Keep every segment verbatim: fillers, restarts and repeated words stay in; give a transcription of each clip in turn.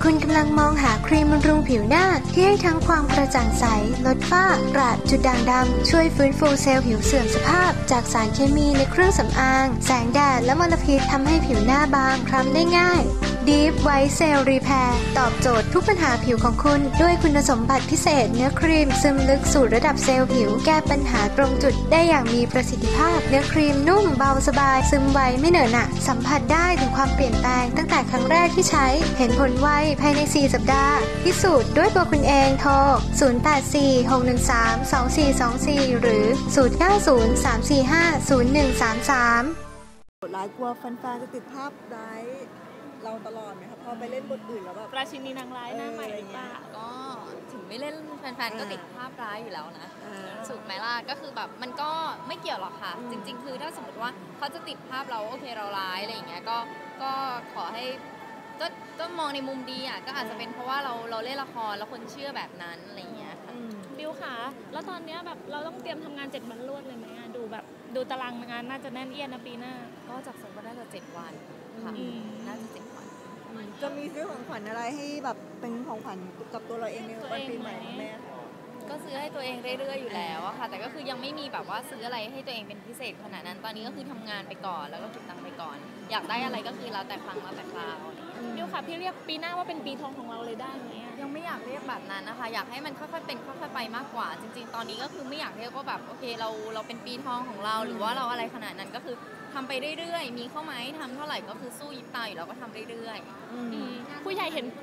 คุณกำลังมองหาครีมบำรุงผิวหน้าที่ให้ทั้งความกระจ่างใสลดฝ้ากระจุดด่างดำช่วยฟื้นฟูเซลล์ผิวเสื่อมสภาพจากสารเคมีในเครื่องสำอางแสงแดดและมลพิษทำให้ผิวหน้าบางคล้ำได้ง่าย Deep White Cell Repair ตอบโจทย์ทุกปัญหาผิวของคุณด้วยคุณสมบัติพิเศษเนื้อครีมซึมลึกสู่ระดับเซลล์ผิวแก้ปัญหาตรงจุดได้อย่างมีประสิทธิภาพเนื้อครีมนุ่มเบาสบายซึมไวไม่เหนอะหนะสัมผัสได้ถึงความเปลี่ยนแปลงตั้งแต่ครั้งแรกที่ใช้เห็นผลไวภายในสี่สัปดาห์พิสูจน์ด้วยตัวคุณเองโทรศูนย์ แปด สี่ หก หนึ่ง สาม สอง สี่ สอง สี่หรือศูนย์ เก้า ศูนย์ สาม สี่ ห้า ศูนย์ หนึ่ง สาม สามหลายกลัวแฟนๆจะติดภาพร้ายเราตลอดไหมครับพอไปเล่นบทอื่นแล้วแบบราชินีนางร้ายหน้าใหม่หรือเปล่าก็ถึงไม่เล่นแฟนๆก็ติดภาพร้ายอยู่แล้วนะสุดไหมล่ะก็คือแบบมันก็ไม่เกี่ยวหรอกค่ะจริงๆคือถ้าสมมติว่าเขาจะติดภาพเราโอเคเราร้ายอะไรอย่างเงี้ยก็ก็ขอให้ก็ก็มองในมุมดีอ่ะก็อาจจะเป็นเพราะว่าเราเราเล่นละครแล้วคนเชื่อแบบนั้นอะไรอย่างเงี้ยค่ะบิวค่ะแล้วตอนเนี้ยแบบเราต้องเตรียมทำงานเจ็ดวันรวดเลยไหมดูแบบดูตารางงานน่าจะแน่นเอียดนะปีหน้าก็จากสมมติน่าจะเจ็ดวันค่ะน่าจะเจ็ดวันจะมีซื้อของขวัญอะไรให้แบบเป็นของขวัญกับตัวเราเองในวันปีใหม่แม่ก็ซื้อให้ตัวเองเรื่อยๆอยู่แล้วอะค่ะแต่ก็คือยังไม่มีแบบว่าซื้ออะไรให้ตัวเองเป็นพิเศษขนาดนั้นตอนนี้ก็คือทำงานไปก่อนแล้วก็เก็บตังค์ไปก่อนอยากได้อะไรก็คือแล้วแต่ครั้งแล้วแต่คราวบิวค่ะพี่เรียกปีหน้าว่าเป็นปีทองของเราเลยได้ไหมยังไม่อยากเรียกแบบนั้นนะคะอยากให้มันค่อยๆเป็นค่อยๆไปมากกว่าจริงๆตอนนี้ก็คือไม่อยากเรียกว่าแบบโอเคเราเราเป็นปีทองของเราหรือว่าเราอะไรขนาดนั้นก็คือทำไปเรื่อยๆมีเข้าไหมทำเท่าไหร่ก็คือสู้ยิบตาอยู่แล้วก็ทำเรื่อยๆผู้ใหญ่เห็น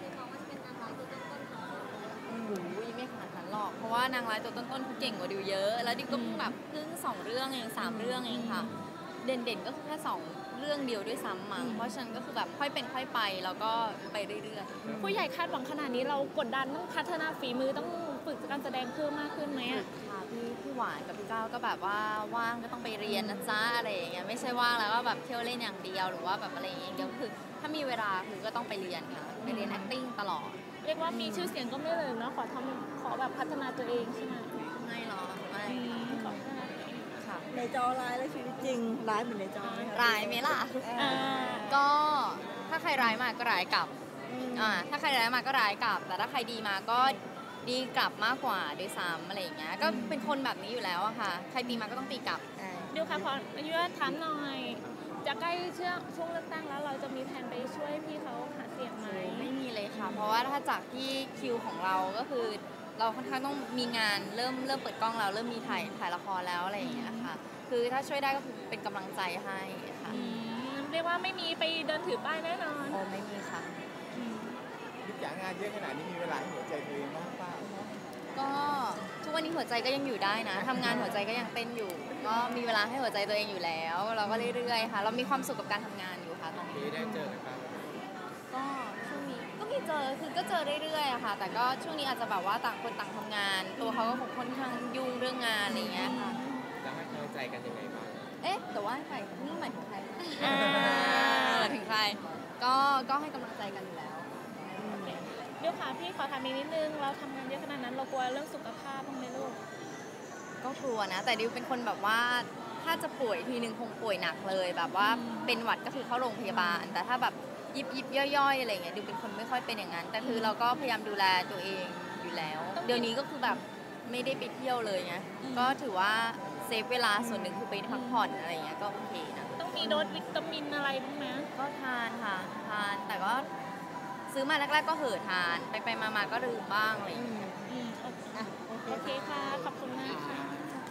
ไม่ขนาดนั้นหรอกเพราะว่านางร้ายตัวต้นๆเขาเก่งกว่าดิวเยอะแล้วดิวก็เพิ่งแบบเพิ่งสองเรื่องเองสามเรื่องเองค่ะเด่นๆก็คือแค่สองเรื่องเดียวด้วยซ้ำมั้งเพราะฉะนั้นก็คือแบบค่อยเป็นค่อยไปแล้วก็ไปเรื่อยๆผู้ใหญ่คาดหวังขนาดนี้เรากดดันต้องพัฒนาฝีมือต้องฝึกการแสดงเพิ่มมากขึ้นไหมอ่ะค่ะพี่พี่หวานกับพี่ก้าวก็แบบว่าว่างก็ต้องไปเรียนนะจ๊ะอะไรอย่างเงี้ยไม่ใช่ว่างแล้วก็แบบเที่ยวเล่นอย่างเดียวหรือว่าแบบอะไรอย่างเงี้ยก็คือถ้ามีเวลาคือก็ต้องไปเรียนค่ะไปเรียน acting ตลอดเรียกว่ามีชื่อเสียงก็ไม่เลยเนาะขอทำขอแบบพัฒนาตัวเองใช่ไหมไม่หรอกไม่ค่ะในจอร้ายและชีวิตจริงร้ายเหมือนในจอร้ายไหมล่ะก็ถ้าใครร้ายมาก็ร้ายกลับอ่าถ้าใครร้ายมาก็ร้ายกลับแต่ถ้าใครดีมาก็ดีกลับมากกว่าด้วยซ้ำอะไรอย่างเงี้ยก็เป็นคนแบบนี้อยู่แล้วอะค่ะใครตีมาก็ต้องตีกลับเดี๋ยวค่ะขออนุญาตถามหน่อยจะใกล้ช่วงเลือกตั้งแล้วเราจะมีแผนไปช่วยพี่เขาหาเสียงไหมไม่มีเลยค่ะเพราะว่าถ้าจากที่คิวของเราก็คือเราค่อนข้างต้องมีงานเริ่มเริ่มเปิดกล้องแล้วเริ่มมีถ่ายถ่ายละครแล้วอะไรอย่างเงี้ยค่ะคือถ้าช่วยได้ก็คือเป็นกำลังใจให้ค่ะเรียกว่าไม่มีไปเดินถือป้ายแน่นอนโอ้ไม่มีค่ะทุกอย่างงานเยอะขนาดนี้มีเวลาให้หัวใจตัวเองบ้างเปล่าก็ทุกวันนี้หัวใจก็ยังอยู่ได้นะทำงานหัวใจก็ยังเต้นอยู่ก็มีเวลาให้หัวใจตัวเองอยู่แล้วเราก็เรื่อยๆค่ะเรามีความสุขกับการทำงานอยู่ค่ะตอนนี้ได้เจอกันบ้างก็ช่วงนี้ก็มีเจอคือก็เจอเรื่อยๆค่ะแต่ก็ช่วงนี้อาจจะแบบว่าต่างคนต่างทำงานตัวเขาก็คงค่อนข้างยุ่งเรื่องงานอะไรอย่างเงี้ยค่ะแล้วให้เข้าใจกันยังไงบ้างเอ๊ะแต่ว่าใครนี่หมายถึงใครถึงใครก็ก็ให้กำลังใจกันอยู่แล้วเดี๋ยวค่ะพี่ขอถามอีกนิดนึงเราทำงานเยอะขนาดนั้นเรากลัวเรื่องสุขภาพบ้างไหมลูกก็กลัวนะแต่ดิวเป็นคนแบบว่าถ้าจะป่วยทีนึงคงป่วยหนักเลยแบบว่าเป็นหวัดก็คือเข้าโรงพยาบาลแต่ถ้าแบบยิบยิบย่อยๆอะไรเงี้ยดิวเป็นคนไม่ค่อยเป็นอย่างนั้นแต่คือเราก็พยายามดูแลตัวเองอยู่แล้วเดี๋ยวนี้ก็คือแบบไม่ได้ไปเที่ยวเลยไงก็ถือว่าเซฟเวลาส่วนหนึ่งคือไปพักผ่อนอะไรเงี้ยก็โอเคนะต้องมีโดสวิตามินอะไรบ้างไหมก็ทานค่ะทานแต่ก็ซื้อมาแรกๆก็เห่อทานไปไปมาๆก็ลืมบ้างอะไรอย่างเงี้ยโอเคค่ะขอบคุณมากค่ะ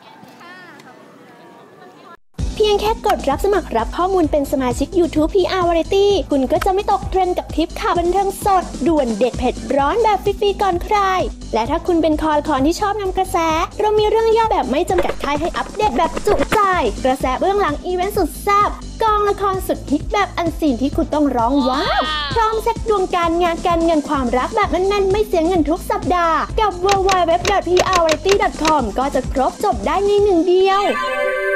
เพียงแค่กดรับสมัครรับข้อมูลเป็นสมาชิก YouTube พี อาร์ Variety คุณก็จะไม่ตกเทรนด์กับทริปข่าวบันเทิงสดด่วนเด็ดเผ็ดร้อนแบบฟรีๆก่อนใครและถ้าคุณเป็นคอละครที่ชอบนำกระแสเรามีเรื่องย่อแบบไม่จำกัดท้ายให้อัปเดตแบบจุใจกระแสเบื้องหลังอีเวนต์สุดแซ่บกองละครสุดฮิตแบบอันซีนที่คุณต้องร้องว้าวพร้อมเซ็ตดวงการงานการเงินความรักแบบแน่นๆไม่เสียเงินทุกสัปดาห์กับ ดับเบิลยู ดับเบิลยู ดับเบิลยู ดอท พี อาร์ วาไรตี้ ดอท คอม ก็จะครบจบได้ในหนึ่งเดียว